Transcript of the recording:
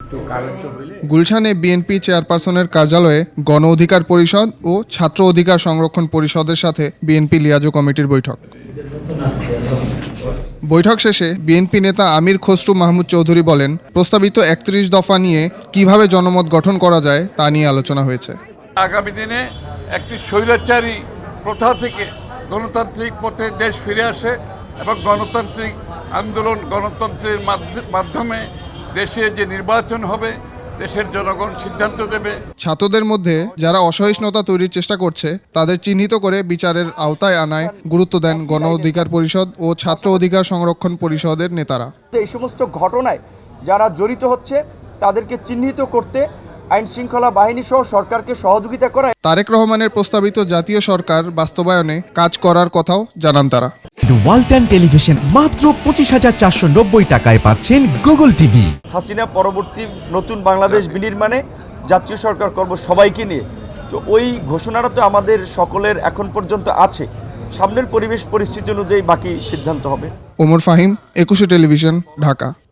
গুলশানে বিএনপি চেয়ারপারসনের কার্যালয়ে গণ অধিকার পরিষদ ও ছাত্র অধিকার সংরক্ষণ পরিষদের সাথে বিএনপি লিয়াজো কমিটির বৈঠক। বৈঠক শেষে বিএনপি নেতা আমির খসরু মাহমুদ চৌধুরী বলেন, প্রস্তাবিত ৩১ দফা নিয়ে কিভাবে জনমত গঠন করা যায় তা নিয়ে আলোচনা হয়েছে। আগামী দিনে একটি স্বৈরাচারী প্রথা থেকে গণতান্ত্রিক পথে দেশ ফিরে আসে এবং গণতান্ত্রিক আন্দোলন গণতন্ত্রের মাধ্যমে দেশে যে নির্বাচন হবে দেশের জনগণ সিদ্ধান্ত দেবে। ছাত্রদের মধ্যে যারা অসহিষ্ণুতা তৈরির চেষ্টা করছে তাদের চিহ্নিত করে বিচারের আওতায় আনায় গুরুত্ব দেন গণ অধিকার পরিষদ ও ছাত্র অধিকার সংরক্ষণ পরিষদের নেতারা। এই সমস্ত ঘটনায় যারা জড়িত হচ্ছে তাদেরকে চিহ্নিত করতে আইন শৃঙ্খলা বাহিনী সহ সরকারকে সহযোগিতা করা। তারেক রহমানের প্রস্তাবিত জাতীয় সরকার বাস্তবায়নে কাজ করার কথাও জানান তারা। ওয়ালটন টেলিভিশন মাত্র 25,490 টাকায় পাচ্ছেন গুগল টিভি। হাসিনা পরবর্তী নতুন বাংলাদেশ বিনির্মাণে জাতীয় সরকার করব সবাইকে নিয়ে, তো ওই ঘোষণাটা তো আমাদের সকলের এখন পর্যন্ত আছে। সামনের পরিবেশ পরিস্থিতি অনুযায়ী বাকি সিদ্ধান্ত হবে। ওমর ফাহিম, 21 টেলিভিশন, ঢাকা।